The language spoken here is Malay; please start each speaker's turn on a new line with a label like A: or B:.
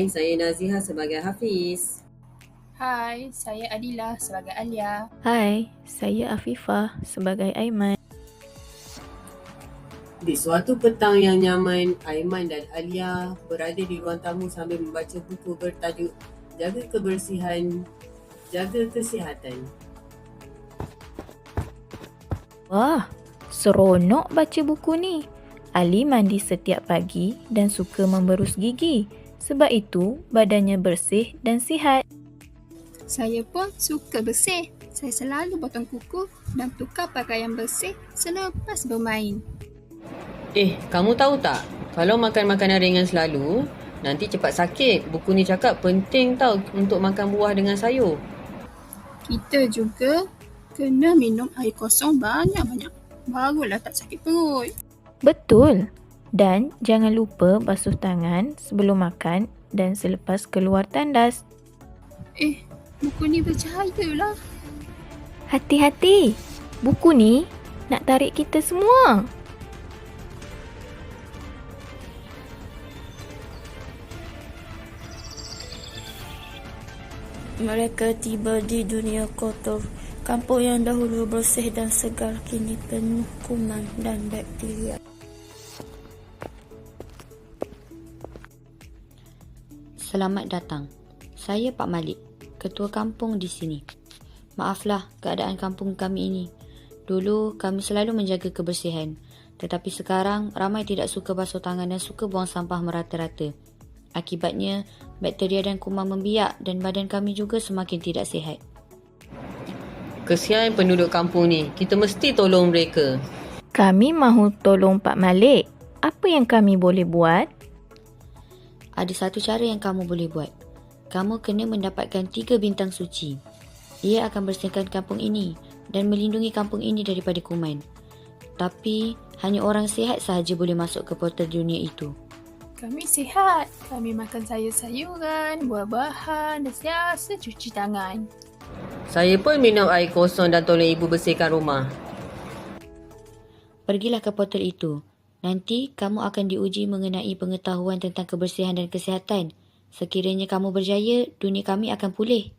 A: saya Naziha sebagai Hafiz.
B: Hai, saya Adila sebagai Alia.
C: Hai, saya Afifah sebagai Aiman.
A: Di suatu petang yang nyaman, Aiman dan Alia berada di ruang tamu sambil membaca buku bertajuk Jaga Kebersihan, Jaga Kesihatan.
C: Wah, seronok baca buku ni. Ali mandi setiap pagi dan suka memberus gigi. Sebab itu, badannya bersih dan sihat.
B: Saya pun suka bersih. Saya selalu potong kuku dan tukar pakaian bersih selepas bermain.
A: Kamu tahu tak? Kalau makan makanan ringan selalu, nanti cepat sakit. Buku ni cakap penting tau untuk makan buah dengan sayur.
B: Kita juga kena minum air kosong banyak-banyak. Barulah tak sakit perut.
C: Betul. Dan jangan lupa basuh tangan sebelum makan dan selepas keluar tandas.
B: Buku ni bercahaya lah.
C: Hati-hati. Buku ni nak tarik kita semua.
D: Mereka tiba di dunia kotor. Kampung yang dahulu bersih dan segar kini penuh kuman dan bakteria.
E: Selamat datang. Saya Pak Malik, ketua kampung di sini. Maaflah keadaan kampung kami ini. Dulu kami selalu menjaga kebersihan, tetapi sekarang ramai tidak suka basuh tangan dan suka buang sampah merata-rata. Akibatnya, bakteria dan kuman membiak dan badan kami juga semakin tidak sihat.
A: Kesian penduduk kampung ni, kita mesti tolong mereka.
C: Kami mahu tolong Pak Malik. Apa yang kami boleh buat?
E: Ada satu cara yang kamu boleh buat. Kamu kena mendapatkan 3 bintang suci. Ia akan bersihkan kampung ini dan melindungi kampung ini daripada kuman. Tapi, hanya orang sihat sahaja boleh masuk ke portal dunia itu.
B: Kami sihat. Kami makan sayur-sayuran, buah-bahan dan sentiasa cuci tangan.
A: Saya pun minum air kosong dan tolong ibu bersihkan rumah.
E: Pergilah ke portal itu. Nanti kamu akan diuji mengenai pengetahuan tentang kebersihan dan kesihatan. Sekiranya kamu berjaya, dunia kami akan pulih.